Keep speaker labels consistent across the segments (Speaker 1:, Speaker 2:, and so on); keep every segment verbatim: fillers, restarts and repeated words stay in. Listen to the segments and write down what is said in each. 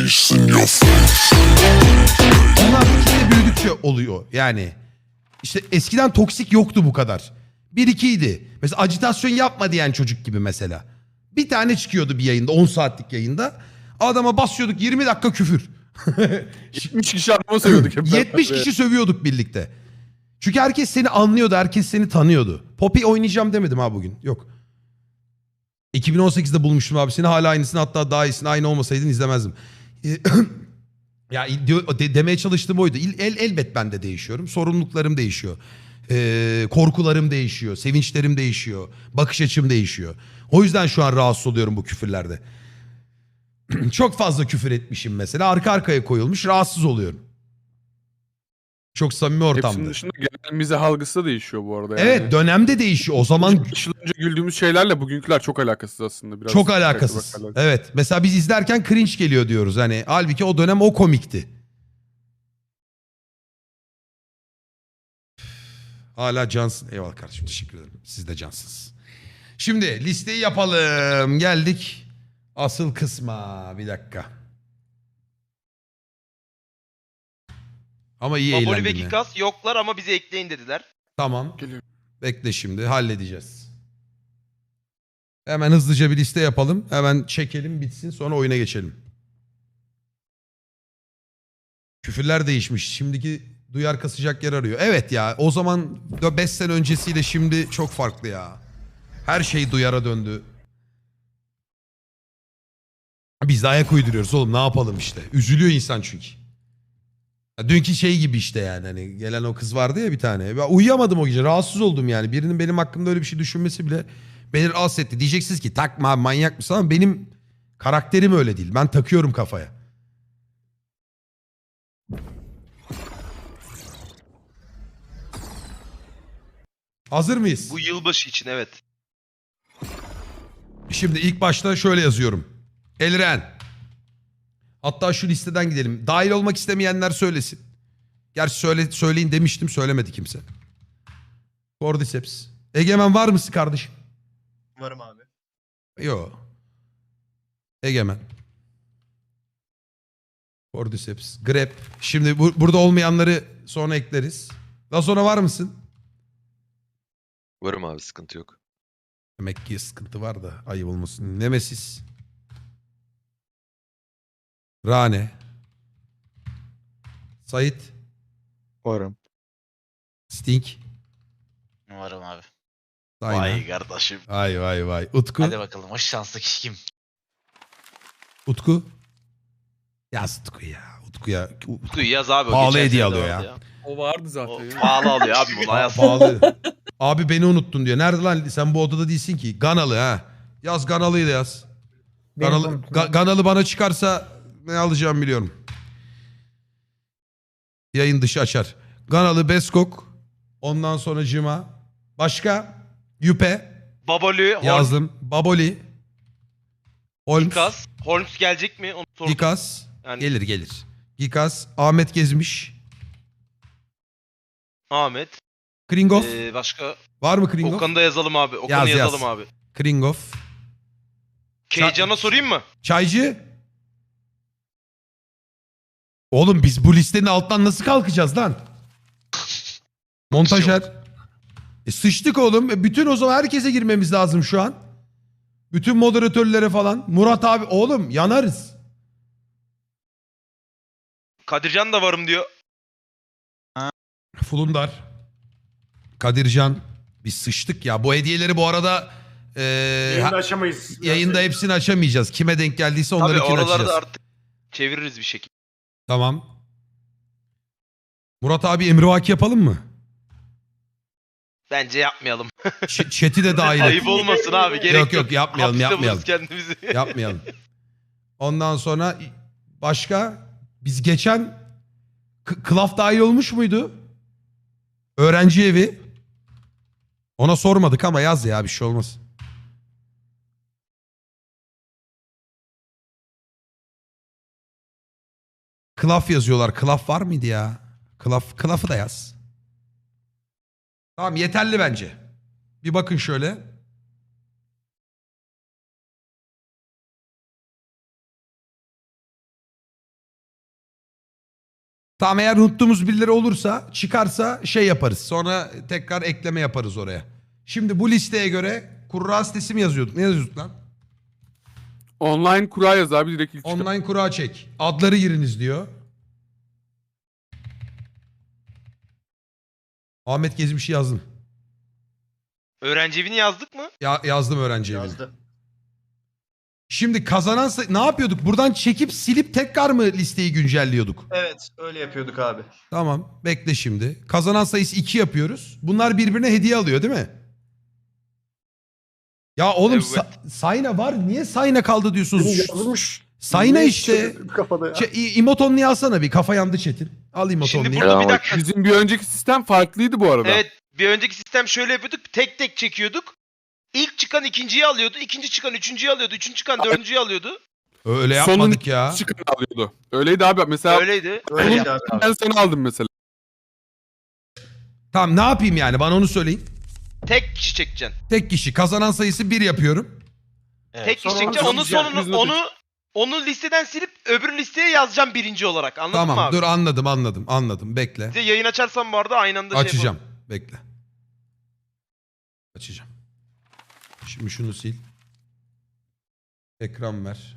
Speaker 1: Onlar bir kitle büyüdükçe oluyor yani. İşte eskiden toksik yoktu bu kadar. Bir ikiydi. Mesela ajitasyon yapma diyen çocuk gibi mesela. Bir tane çıkıyordu bir yayında, on saatlik yayında. Adama basıyorduk yirmi dakika küfür.
Speaker 2: yetmiş kişi adamı sövüyorduk hep beraber.
Speaker 1: yetmiş kişi sövüyorduk birlikte. Çünkü herkes seni anlıyordu, herkes seni tanıyordu. Poppy oynayacağım demedim ha bugün. Yok. iki bin on sekizde bulmuştum abi seni. Hala aynısını, hatta daha iyisini, aynı olmasaydın izlemezdim. Ya de, demeye çalıştığım oydu. El, elbet ben de değişiyorum. Sorumluluklarım değişiyor. Ee, korkularım değişiyor. Sevinçlerim değişiyor. Bakış açım değişiyor. O yüzden şu an rahatsız oluyorum bu küfürlerde. Çok fazla küfür etmişim mesela. Arka arkaya koyulmuş. Rahatsız oluyorum. Çok samimi ortamda.
Speaker 2: Hepsinin dışında genel mizah algısı da değişiyor bu arada. Yani.
Speaker 1: Evet, dönemde değişiyor. O zaman
Speaker 2: beş yıl önce güldüğümüz şeylerle bugünküler çok alakasız aslında. Biraz
Speaker 1: çok alakasız. Evet. Mesela biz izlerken cringe geliyor diyoruz. Hani halbuki o dönem o komikti. Hala cansın. Eyvallah kardeşim, teşekkür ederim. Siz de cansınız. Şimdi listeyi yapalım. Geldik asıl kısma. Bir dakika. Ama iyi
Speaker 3: Baboli
Speaker 1: eğlendim
Speaker 3: ve
Speaker 1: ya.
Speaker 3: Gikas yoklar ama bizi ekleyin dediler.
Speaker 1: Tamam.
Speaker 2: Geliyor.
Speaker 1: Bekle, şimdi halledeceğiz. Hemen hızlıca bir liste yapalım. Hemen çekelim bitsin, sonra oyuna geçelim. Küfürler değişmiş. Şimdiki duyar kasacak yer arıyor. Evet ya, o zaman beş sene öncesiyle şimdi çok farklı ya. Her şey duyara döndü. Biz de ayak uyduruyoruz oğlum, ne yapalım işte. Üzülüyor insan çünkü. Ya dünkü şey gibi işte yani, hani gelen o kız vardı ya bir tane. Ben uyuyamadım o gece, rahatsız oldum yani. Birinin benim hakkımda öyle bir şey düşünmesi bile beni rahatsız etti. Diyeceksiniz ki takma abi, manyak mısın, ama benim karakterim öyle değil. Ben takıyorum kafaya. Hazır mıyız?
Speaker 3: Bu yılbaşı için evet.
Speaker 1: Şimdi ilk başta şöyle yazıyorum. Elren. Hatta şu listeden gidelim. Dahil olmak istemeyenler söylesin. Gerçi söyle, söyleyin demiştim, söylemedi kimse. Cordyceps. Egemen var mısın kardeşim?
Speaker 4: Varım abi.
Speaker 1: Yo. Egemen. Cordyceps. Grep. Şimdi bu, burada olmayanları sonra ekleriz. Daha sonra var mısın?
Speaker 5: Varım abi, sıkıntı yok.
Speaker 1: Demek ki sıkıntı var da ayıp olmasın. Nemesis. Rane. Sait.
Speaker 2: Varım.
Speaker 1: Sting.
Speaker 6: Umarım abi.
Speaker 1: Aynen.
Speaker 6: Vay kardeşim.
Speaker 1: Vay vay vay. Utku.
Speaker 6: Hadi bakalım o şanslı kişi kim?
Speaker 1: Utku. Yaz Utku ya. Utku ya.
Speaker 3: Utku'yu yaz abi. o
Speaker 1: Pahalı
Speaker 3: geçen
Speaker 1: hediye
Speaker 3: sene de
Speaker 1: alıyor
Speaker 3: vardı
Speaker 1: ya.
Speaker 2: O vardı
Speaker 3: O
Speaker 2: zaten. ya.
Speaker 3: pahalı alıyor abi bunu yaz.
Speaker 1: Pahalı. Abi beni unuttun diyor. Nerede lan? Sen bu odada değilsin ki. Ganalı ha. Yaz Ganalı'yı da yaz. Ganalı, Ga- Ganalı bana çıkarsa ne alacağımı biliyorum. Yayın dışı açar. Ganalı, Beskok. Ondan sonra Cima. Başka? Yüpe.
Speaker 3: Baboli, Holmes,
Speaker 1: Yazdım. Baboli. Holmes.
Speaker 3: Gikas. Holmes gelecek mi? Onu sordum.
Speaker 1: Gikas.
Speaker 3: Yani
Speaker 1: Gelir gelir. Gikas. Ahmet Gezmiş.
Speaker 3: Ahmet.
Speaker 1: Kringov.
Speaker 3: Ee, başka?
Speaker 1: Var mı Kringov?
Speaker 3: Okan'ı da yazalım abi. Okan'ı
Speaker 1: Yaz, yaz.
Speaker 3: yazalım abi.
Speaker 1: Kringov.
Speaker 3: Keycan'a sorayım mı?
Speaker 1: Çaycı. Oğlum biz bu listenin altından nasıl kalkacağız lan? Montajer. E sıçtık oğlum. E bütün o zaman herkese girmemiz lazım şu an. Bütün moderatörlere falan. Murat abi oğlum yanarız.
Speaker 3: Kadircan da varım diyor.
Speaker 1: Fulundar. Kadircan. Biz sıçtık ya. Bu hediyeleri bu arada e,
Speaker 4: Yayında
Speaker 1: ha-
Speaker 4: aşamayız.
Speaker 1: yayında hepsini açamayacağız. Kime denk geldiyse onları
Speaker 3: Tabii
Speaker 1: kim
Speaker 3: oraları
Speaker 1: açacağız.
Speaker 3: da artık çeviririz bir şekilde.
Speaker 1: Tamam. Murat abi emrivaki yapalım mı?
Speaker 3: Bence yapmayalım.
Speaker 1: Ç- chat'i de dahil et.
Speaker 3: Ayıp olmasın abi. Gerek
Speaker 1: Yok, yok, yapmayalım,
Speaker 3: Hapiste
Speaker 1: yapmayalım.
Speaker 3: buluruz kendimizi.
Speaker 1: Yapmayalım. Ondan sonra başka biz geçen K- Klaf dahil olmuş muydu? Öğrenci evi. Ona sormadık ama yaz ya, bir şey olmaz. Klaf yazıyorlar. Klaf var mıydı ya? Klaf, Klaf'ı da yaz. Tamam, yeterli bence. Bir bakın şöyle. Tamam, eğer unuttuğumuz birileri olursa, çıkarsa şey yaparız. Sonra tekrar ekleme yaparız oraya. Şimdi bu listeye göre kurra sitesi mi yazıyorduk? Ne yazıyorduk lan?
Speaker 2: Online kura yaz abi direkt ilk çıkan.
Speaker 1: Online kura çek. Adları giriniz diyor. Ahmet Gezmiş'i yazdım.
Speaker 3: Öğrenci evini yazdık mı?
Speaker 1: Ya, yazdım öğrenci evini.
Speaker 4: Yazdı.
Speaker 1: Şimdi kazanan say- ne yapıyorduk? Buradan çekip silip tekrar mı listeyi güncelliyorduk?
Speaker 4: Evet öyle yapıyorduk abi.
Speaker 1: Tamam, bekle şimdi. Kazanan sayısı iki yapıyoruz. Bunlar birbirine hediye alıyor değil mi? Ya oğlum
Speaker 3: Evet.
Speaker 1: Sa- Sayna var. Niye Sayna kaldı diyorsunuz?
Speaker 4: Yazılmış.
Speaker 1: Sayna
Speaker 4: Niye
Speaker 1: işte.
Speaker 4: çevirdim Kafada ya.
Speaker 1: Şey, İmotonlu'yu alsana bir. Kafa yandı Çetin. Al
Speaker 3: Şimdi
Speaker 1: İmotonlu'yu.
Speaker 3: burada bir dakika.
Speaker 2: Bizim bir önceki sistem farklıydı bu arada.
Speaker 3: Evet, bir önceki sistem şöyle yapıyorduk. Tek tek çekiyorduk. İlk çıkan ikinciyi alıyordu. İkinci çıkan üçüncüyü alıyordu. Üçüncü çıkan dördüncüyü alıyordu.
Speaker 1: Öyle
Speaker 2: Sonun
Speaker 1: yapmadık ya.
Speaker 2: çıkanı alıyordu. Öyleydi abi. Mesela
Speaker 3: Öyleydi.
Speaker 4: Öyleydi abi.
Speaker 2: ben sana aldım mesela.
Speaker 1: Tamam, ne yapayım yani? Bana onu söyleyin.
Speaker 3: Tek kişi çekeceksin.
Speaker 1: Tek kişi. Kazanan sayısı bir yapıyorum.
Speaker 6: Evet.
Speaker 3: Tek kişi
Speaker 4: Sonra
Speaker 3: çekeceksin.
Speaker 4: onu
Speaker 3: Onun
Speaker 2: sileceğim,
Speaker 3: sonunu
Speaker 2: yüzüne
Speaker 3: onu onu listeden silip öbür listeye yazacağım birinci olarak. Anladın mı
Speaker 1: Tamam,
Speaker 3: abi?
Speaker 1: dur anladım anladım anladım. Bekle.
Speaker 3: Bir de yayın açarsan bu arada aynı anda şey
Speaker 1: Açacağım. Bekle. Açacağım. Şimdi şunu sil. Ekran ver.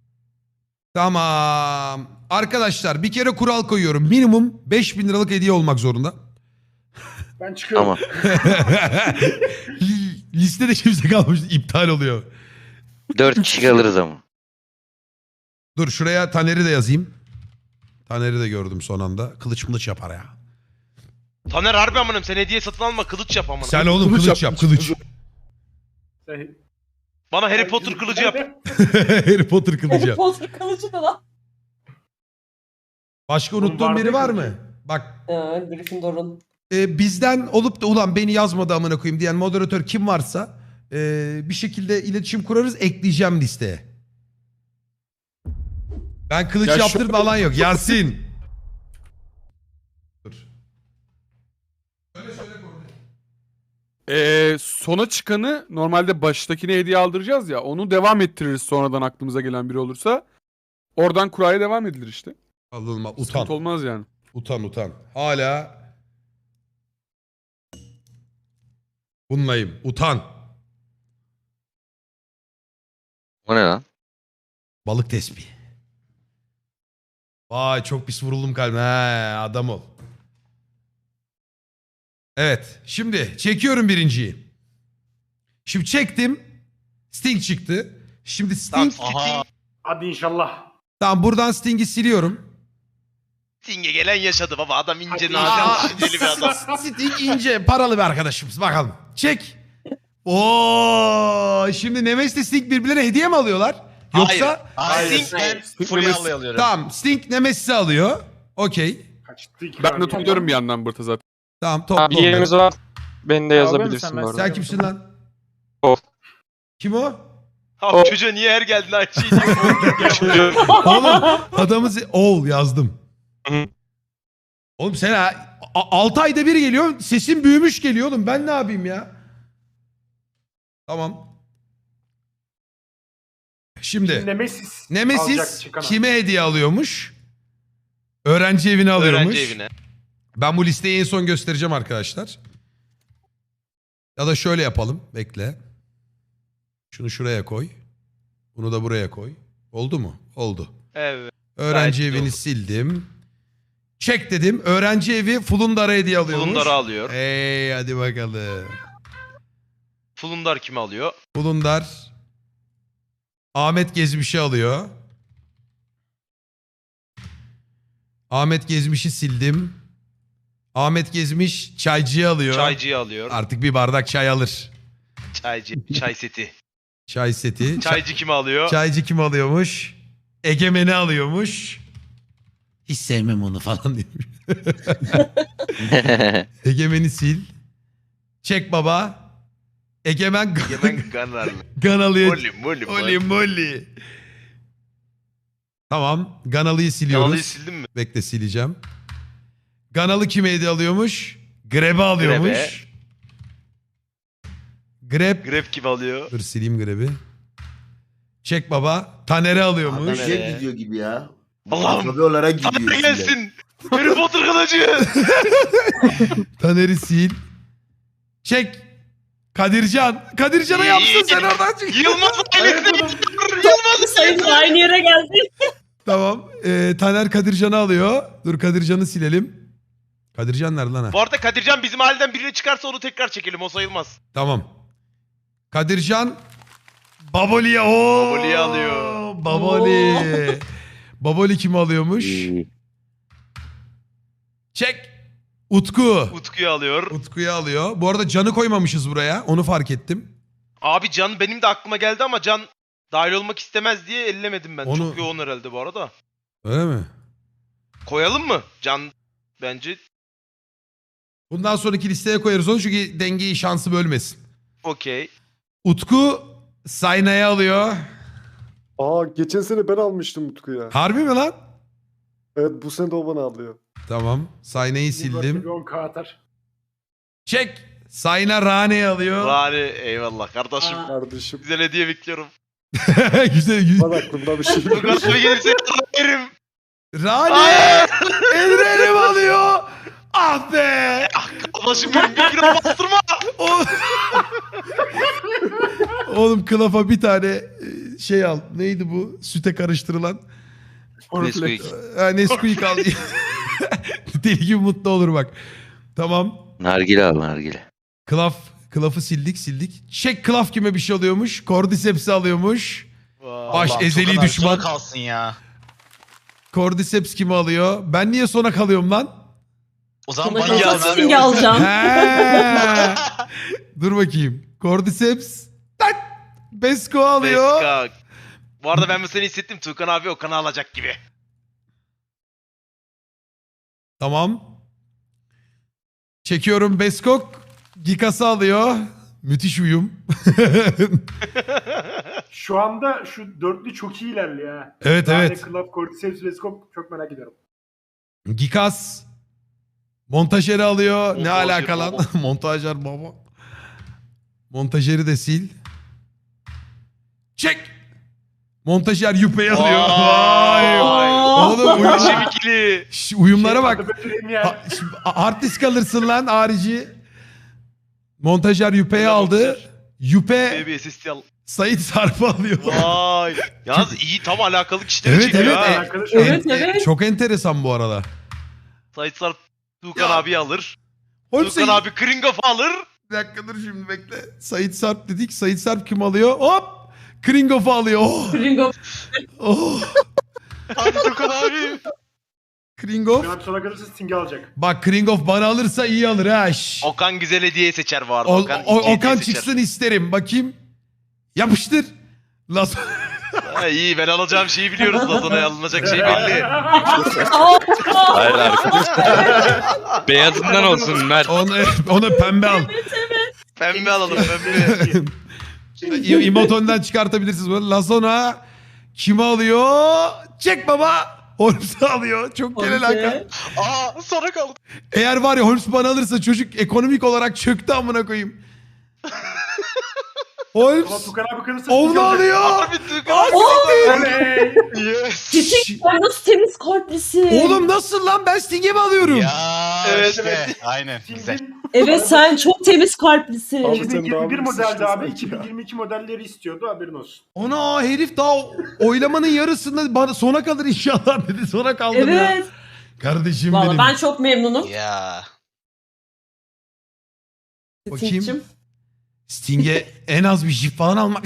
Speaker 1: Tamam. Arkadaşlar bir kere kural koyuyorum. Minimum beş bin liralık hediye olmak zorunda.
Speaker 4: Ben çıkıyorum.
Speaker 1: Listede kimse kalmış. İptal oluyor.
Speaker 5: Dört kişi kalırız ama.
Speaker 1: Dur şuraya Taner'i de yazayım. Taner'i de gördüm son anda. Kılıç mılıç yapar ya.
Speaker 3: Taner harbi amınım sen hediye satın alma kılıç yap amına.
Speaker 1: Sen oğlum kılıç,
Speaker 2: Kılıç
Speaker 1: yap
Speaker 2: yap,
Speaker 1: kılıç.
Speaker 3: Bana Harry Potter kılıcı yap.
Speaker 1: Harry Potter kılıcı
Speaker 7: Harry
Speaker 1: yap.
Speaker 7: Potter kılıcı da lan.
Speaker 1: Başka
Speaker 4: Oğlum
Speaker 1: unuttuğun
Speaker 4: vardı
Speaker 1: biri
Speaker 4: ya
Speaker 1: var
Speaker 4: kılıcı.
Speaker 1: mı? Bak
Speaker 7: Ee, Gryffindor'un.
Speaker 1: e, bizden olup da ulan beni yazmadı amına koyayım diyen moderatör kim varsa e, bir şekilde iletişim kurarız, ekleyeceğim listeye. Ben kılıç
Speaker 2: Ya
Speaker 1: yaptır
Speaker 2: şu-
Speaker 1: falan yok. Yasin. Dur.
Speaker 2: Ee, sona çıkanı normalde baştakine hediye aldıracağız ya. Onu devam ettiririz sonradan aklımıza gelen biri olursa. Oradan kuraya devam edilir işte.
Speaker 1: Alınma. Utan.
Speaker 2: Sıkıntı olmaz yani.
Speaker 1: Utan utan. Hala bunlayım. Utan.
Speaker 5: O ne lan?
Speaker 1: Balık tespihi. Vay çok pis vuruldum kalbime. He, adam ol. Evet. Şimdi çekiyorum birinciyi. Şimdi çektim. Sting çıktı. Şimdi
Speaker 3: Tamam
Speaker 1: Sting.
Speaker 3: Sting,
Speaker 4: Hadi inşallah.
Speaker 1: Tamam buradan Sting'i siliyorum.
Speaker 3: Sting'e gelen yaşadı baba. Adam ince
Speaker 4: Hadi
Speaker 3: nadir
Speaker 1: Aa,
Speaker 3: düşünceli bir adam.
Speaker 1: Sting ince paralı bir arkadaşımız. Bakalım. Çek. Oo, şimdi Nemes ile Sting birbirlerine hediye mi alıyorlar? Yoksa
Speaker 6: Hayır.
Speaker 3: Sting-
Speaker 6: Ben
Speaker 2: Sting
Speaker 6: Furya'lı alıyorum.
Speaker 1: tamam Sting Nemesis'i alıyor. Okey.
Speaker 4: Kaçtı iki
Speaker 2: Ben
Speaker 4: tane.
Speaker 2: de topluyorum bir yandan burada zaten.
Speaker 1: Tamam topla
Speaker 8: Abi
Speaker 1: onları.
Speaker 8: yerimiz var. Beni de
Speaker 4: Abi
Speaker 8: yazabilirsin
Speaker 4: sen
Speaker 8: bu arada.
Speaker 1: Sen kimsin lan?
Speaker 8: O.
Speaker 1: Kim o?
Speaker 3: Abi çocuğa niye her geldin aynı şeyi diyor.
Speaker 1: Oğlum adamı se- oğul yazdım.
Speaker 8: Hı.
Speaker 1: Oğlum sen ha, altı ayda bir geliyor, sesin büyümüş geliyor oğlum. Ben ne yapayım ya? Tamam. Şimdi
Speaker 4: Nemesis. alacak
Speaker 1: Nemesis
Speaker 4: çıkan.
Speaker 1: kime hediye alıyormuş? Öğrenci evine alıyormuş.
Speaker 3: Öğrenci evine.
Speaker 1: Ben bu listeyi en son göstereceğim arkadaşlar. Ya da şöyle yapalım. Bekle. Şunu şuraya koy. Bunu da buraya koy. Oldu mu? Oldu.
Speaker 3: Evet.
Speaker 1: Öğrenci
Speaker 3: Gayet
Speaker 1: evini
Speaker 3: oldu.
Speaker 1: sildim. Çek dedim. Öğrenci evi Fulundar'a hediye alıyormuş.
Speaker 3: Fulundar'ı alıyor.
Speaker 1: Hey hadi bakalım.
Speaker 3: Fulundar kimi alıyor?
Speaker 1: Fulundar Ahmet Gezmiş'i alıyor. Ahmet Gezmiş'i sildim. Ahmet Gezmiş çaycıyı alıyor.
Speaker 3: Çaycıyı alıyor.
Speaker 1: Artık bir bardak çay alır.
Speaker 3: Çaycı, çay seti.
Speaker 1: Çay seti.
Speaker 3: Çaycı kimi alıyor?
Speaker 1: Çaycı kim alıyormuş? Egemen'i alıyormuş. Hiç sevmem onu falan demiş. Egemen'i sil. Çek baba. Egemen
Speaker 3: Yemen Ganarlı.
Speaker 1: Ganalı'yı.
Speaker 3: Molly, Molly,
Speaker 1: Molly
Speaker 3: Molly.
Speaker 1: Molly. Tamam. Ganalı'yı siliyoruz.
Speaker 3: Kanalıyı sildin mi?
Speaker 1: Bekle sileceğim. Ganalı kime hediye alıyormuş? Greb'i alıyormuş. Greb.
Speaker 3: Grab kimi alıyor?
Speaker 1: Dur sileyim Greb'i. Çek baba. Taner'i alıyormuş.
Speaker 3: Taner'i.
Speaker 9: Şey gidiyor gibi ya.
Speaker 3: Allah'ım.
Speaker 9: Tabii olarak gidiyor.
Speaker 3: Taner
Speaker 9: içinden.
Speaker 3: gelsin. Harry Potter kılıcı.
Speaker 1: Taner'i sil. Çek. Kadircan. Kadircan'a yapsın sen oradan çık.
Speaker 3: Yılmaz ailesine Yılmaz
Speaker 7: Sayın aynı yere geldi.
Speaker 1: Tamam. Ee, Taner Kadircan'ı alıyor. Dur Kadircan'ı silelim. Kadircan nerede lan? ha?
Speaker 3: Bu arada Kadircan bizim aileden birini çıkarsa onu tekrar çekelim. O sayılmaz.
Speaker 1: Tamam. Kadircan Baboli'ye o.
Speaker 3: Baboli'yi alıyor.
Speaker 1: Baboli. Baboli kimi alıyormuş? Çek. Utku.
Speaker 3: Utku'yu alıyor.
Speaker 1: Utku'yu alıyor. Bu arada Can'ı koymamışız buraya. Onu fark ettim.
Speaker 3: Abi Can benim de aklıma geldi ama Can dahil olmak istemez diye ellemedim ben.
Speaker 1: Onu-
Speaker 3: Çok yoğun herhalde bu arada.
Speaker 1: Öyle mi?
Speaker 3: Koyalım mı? Can bence
Speaker 1: Bundan sonraki listeye koyarız onu çünkü dengeyi şansı bölmesin.
Speaker 3: okey.
Speaker 1: Utku Sayna'yı alıyor.
Speaker 9: Aa geçen sene ben almıştım Utku'ya.
Speaker 1: Harbi mi lan?
Speaker 9: Evet bu sene de o bana alıyor.
Speaker 1: Tamam. Sayna'yı sildim.
Speaker 4: Bir on K atar.
Speaker 1: Çek. Sayna Rane'yi alıyor.
Speaker 3: Rani eyvallah kardeşim.
Speaker 7: Aa.
Speaker 9: Kardeşim
Speaker 3: Güzel hediye bekliyorum.
Speaker 1: güzel güzel.
Speaker 9: bana aklımda bir şey yok.
Speaker 3: Lugas'ıma gelirse yerim.
Speaker 1: Rane Elrenim alıyor. Ah be.
Speaker 3: Kardeşim benim bir kilo bastırma.
Speaker 1: O- Oğlum kılafa bir tane e, şey al. Neydi bu? Süte karıştırılan.
Speaker 5: Nesquik.
Speaker 1: Ha, Nesquik al. Deli gibi mutlu olur bak. Tamam.
Speaker 5: Nargile al nargile.
Speaker 1: Klaf. Klaf'ı sildik sildik. Çek Klaf kime bir şey alıyormuş. Cordyceps'i alıyormuş. Baş
Speaker 6: Allah'ım,
Speaker 1: ezeli
Speaker 6: çok kadar
Speaker 1: düşman.
Speaker 6: sona kalsın ya.
Speaker 1: Cordyceps kimi alıyor? Ben niye sona kalıyorum lan?
Speaker 6: O zaman
Speaker 7: Sana
Speaker 6: bana
Speaker 7: kalsa
Speaker 6: yazın abi.
Speaker 7: Sting'i alacağım.
Speaker 1: He. Dur bakayım. Cordyceps. Tak. Besko alıyor.
Speaker 3: Beska. Bu arada ben bu seni hissettim. Tuğkan abi Okan'ı alacak gibi.
Speaker 1: Tamam. Çekiyorum Beskok. Gikas'ı alıyor. Müthiş uyum.
Speaker 4: Şu anda şu dörtlü çok iyi ilerliyor ha.
Speaker 1: Evet,
Speaker 4: Yani
Speaker 1: evet.
Speaker 4: Club, Cordyceps, Vescop çok merak ediyorum.
Speaker 1: Gikas. Montajeri alıyor. Ne
Speaker 3: Montajer
Speaker 1: alaka lan?
Speaker 3: baba.
Speaker 1: Montajer baba. Montajeri de sil. Çek. Montajer Yüpe'yi alıyor. Vay. Oğlum uyum,
Speaker 3: Kardeşim ikili.
Speaker 1: Şş, uyumlara bak.
Speaker 4: Adı Bötüreyim ya.
Speaker 1: Ha, şimdi hard disk alırsın lan harici. Montajer Yüpe'yi
Speaker 3: Öyle
Speaker 1: aldı.
Speaker 3: montajer.
Speaker 1: Yüpe
Speaker 3: Baby assist al.
Speaker 1: Sait Sarp'ı alıyor.
Speaker 3: Vay. Yalnız iyi tam alakalı kişileri
Speaker 1: Evet,
Speaker 3: çekiyor
Speaker 1: evet,
Speaker 3: ha.
Speaker 1: evet.
Speaker 4: Arkadaş
Speaker 7: Evet,
Speaker 1: En-
Speaker 7: evet.
Speaker 1: Çok enteresan bu arada.
Speaker 3: Sait Sarp Tuğkan
Speaker 1: Ya.
Speaker 3: abi alır.
Speaker 1: Oğlum
Speaker 3: Tuğkan
Speaker 1: sen-
Speaker 3: abi Kringoff'u alır.
Speaker 1: Bir dakika dur şimdi bekle. Sait Sarp dedik. Sait Sarp kim alıyor? Hop! Kringoff'u alıyor. Oh!
Speaker 7: Ringo.
Speaker 1: Oh!
Speaker 3: Hadi Tuğkan abi.
Speaker 1: Kringoff.
Speaker 4: Şu sona kalırsa Sting'i alacak.
Speaker 1: Bak Kringoff bana alırsa iyi alır ha. şş.
Speaker 3: Okan güzel hediye seçer bu arada.
Speaker 1: O-
Speaker 3: Okan,
Speaker 1: o-
Speaker 3: iyi hediye
Speaker 1: Okan
Speaker 3: seçer.
Speaker 1: çıksın isterim. Bakayım. Yapıştır. Las
Speaker 3: Ha, iyi ben alacağım şeyi biliyoruz. Lazona'ya alınacak şey belli.
Speaker 8: Hayır arkadaşlar. Beyazından olsun Mert.
Speaker 1: onu, onu pembe al.
Speaker 3: Pembe alalım pembe.
Speaker 1: İ- İmoton'dan çıkartabilirsiniz. Böyle Lazona kimi alıyor? Çek baba. Holmes'u alıyor. Çok genel hakan.
Speaker 3: Aa sonra kaldı.
Speaker 1: Eğer var ya Holmes bana alırsa çocuk ekonomik olarak çöktü amına koyayım.
Speaker 4: Ama
Speaker 1: Holmes
Speaker 4: Tukan abi kalırsa
Speaker 1: onu
Speaker 4: Sting'i alacak.
Speaker 1: alıyor.
Speaker 3: Abi Tuğkan abi.
Speaker 4: Oley!
Speaker 3: Yes.
Speaker 7: Çiçek ay nasıl temiz kalplisin.
Speaker 1: Oğlum nasıl lan ben Sting'e mi alıyorum?
Speaker 6: Ya
Speaker 3: Evet,
Speaker 6: işte
Speaker 3: evet.
Speaker 6: aynen güzel.
Speaker 4: Sting'in
Speaker 7: Evet sen çok temiz kalplisin.
Speaker 9: Abi sen
Speaker 4: iki bin yirmi bir
Speaker 9: daha
Speaker 4: modeldi
Speaker 9: sıçtın
Speaker 4: abi.
Speaker 9: sanki
Speaker 4: iki bin
Speaker 9: ya.
Speaker 4: yirmi iki modelleri istiyordu haberin olsun.
Speaker 1: Ona herif daha oylamanın yarısında bana sona kalır inşallah dedi. Sona kaldım ya.
Speaker 7: Evet.
Speaker 1: Kardeşim
Speaker 7: Valla
Speaker 1: benim.
Speaker 7: ben çok memnunum.
Speaker 6: Ya.
Speaker 1: Bakayım.
Speaker 7: Sting'cim.
Speaker 1: Sting'e en az bir jip falan almak.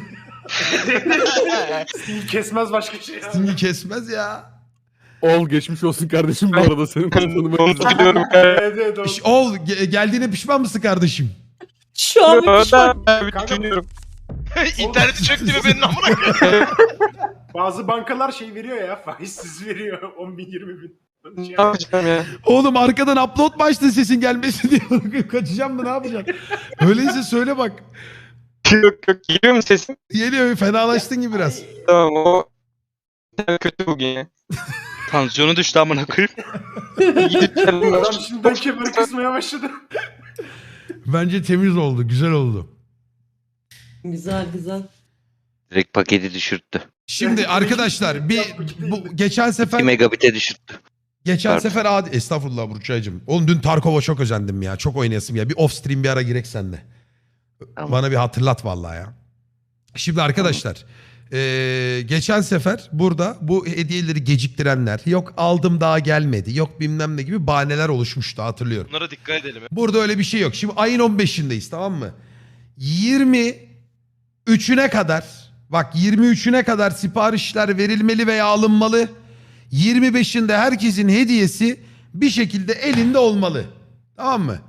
Speaker 4: Sting kesmez başka şey. ya.
Speaker 1: Sting'i kesmez ya.
Speaker 2: Ol geçmiş olsun kardeşim bu arada senin tanımayı.
Speaker 8: Onu biliyorum.
Speaker 4: Evet evet o.
Speaker 1: Piş- Ol ge- geldiğine pişman mısın kardeşim?
Speaker 7: Şu an bir pişman.
Speaker 8: Ben bir düşünüyorum.
Speaker 3: İnterneti çöktü mü benim amına koyayım?
Speaker 4: Bazı bankalar şey veriyor ya faizsiz veriyor on bin yirmi bin.
Speaker 8: Ne
Speaker 4: Şey,
Speaker 8: yapacağım ya?
Speaker 1: Oğlum arkadan upload mu açtın sesin gelmesin diye kaçacağım mı ne yapacaksın? Öyleyse söyle bak.
Speaker 8: Yok yok geliyor mu sesim?
Speaker 1: Geliyor fenalaştın gibi biraz.
Speaker 8: Tamam o kötü bugün ya.
Speaker 5: Tansiyonu düştü amına koyayım.
Speaker 4: Adam şimdiden kemer kısmaya başladı.
Speaker 1: Bence temiz oldu güzel oldu.
Speaker 7: Güzel güzel.
Speaker 5: Direkt paketi düşürttü.
Speaker 1: Şimdi arkadaşlar bir bu geçen
Speaker 5: iki
Speaker 1: sefer
Speaker 5: megabit'e düşürttü.
Speaker 1: Geçen
Speaker 5: Pardon.
Speaker 1: sefer adi... Estağfurullah Burçay'cığım. Oğlum dün Tarkov'a çok özendim ya. Çok oynayasım ya. Bir off stream bir ara girek seninle.
Speaker 5: Tamam.
Speaker 1: Bana bir hatırlat vallahi ya. Şimdi arkadaşlar. eee, geçen sefer burada bu hediyeleri geciktirenler, yok aldım daha gelmedi, yok bilmem ne gibi bahaneler oluşmuştu, hatırlıyorum.
Speaker 3: Bunlara dikkat edelim.
Speaker 1: Burada öyle bir şey yok. Şimdi ayın on beşindeyiz, tamam mı? yirmi üçüne kadar, bak yirmi üçüne kadar siparişler verilmeli veya alınmalı. yirmi beşinde herkesin hediyesi bir şekilde elinde olmalı. Tamam mı?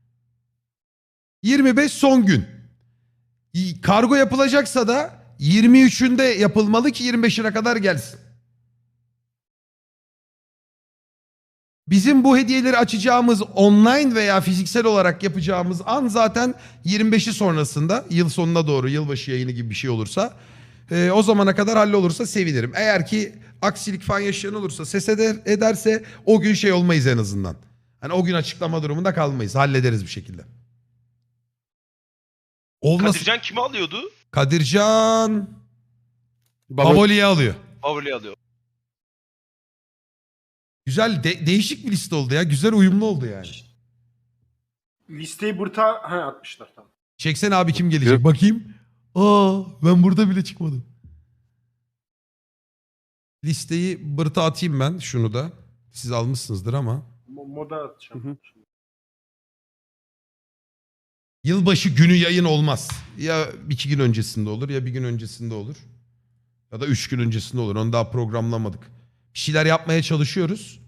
Speaker 1: yirmi beş son gün. Y- Kargo yapılacaksa da yirmi üçünde yapılmalı ki yirmi beşine kadar gelsin. Bizim bu hediyeleri açacağımız online veya fiziksel olarak yapacağımız an zaten yirmi beşi sonrasında, yıl sonuna doğru, yılbaşı yayını gibi bir şey olursa e, o zamana kadar hallolursa sevinirim. Eğer ki aksilik falan yaşayan olursa, ses eder, ederse o gün şey olmayız en azından. Hani o gün açıklama durumunda kalmayız. Hallederiz bir şekilde. Olmasın.
Speaker 3: Kadircan kimi alıyordu?
Speaker 1: Kadircan
Speaker 2: Baba,
Speaker 1: Baboli'yi alıyor.
Speaker 3: Favori alıyor.
Speaker 1: Güzel, de- değişik bir liste oldu ya. Güzel uyumlu oldu yani.
Speaker 4: Listeyi burta ha, atmışlar tamam.
Speaker 1: Çeksene abi kim gelecek bakayım. Aa ben burada bile çıkmadım. Listeyi bırta atayım ben şunu da. Siz almışsınızdır ama.
Speaker 4: Mo- Moda atacağım.
Speaker 2: Hı hı.
Speaker 1: Yılbaşı günü yayın olmaz. Ya iki gün öncesinde olur ya bir gün öncesinde olur. Ya da üç gün öncesinde olur. Onu daha programlamadık. Bir şeyler yapmaya çalışıyoruz.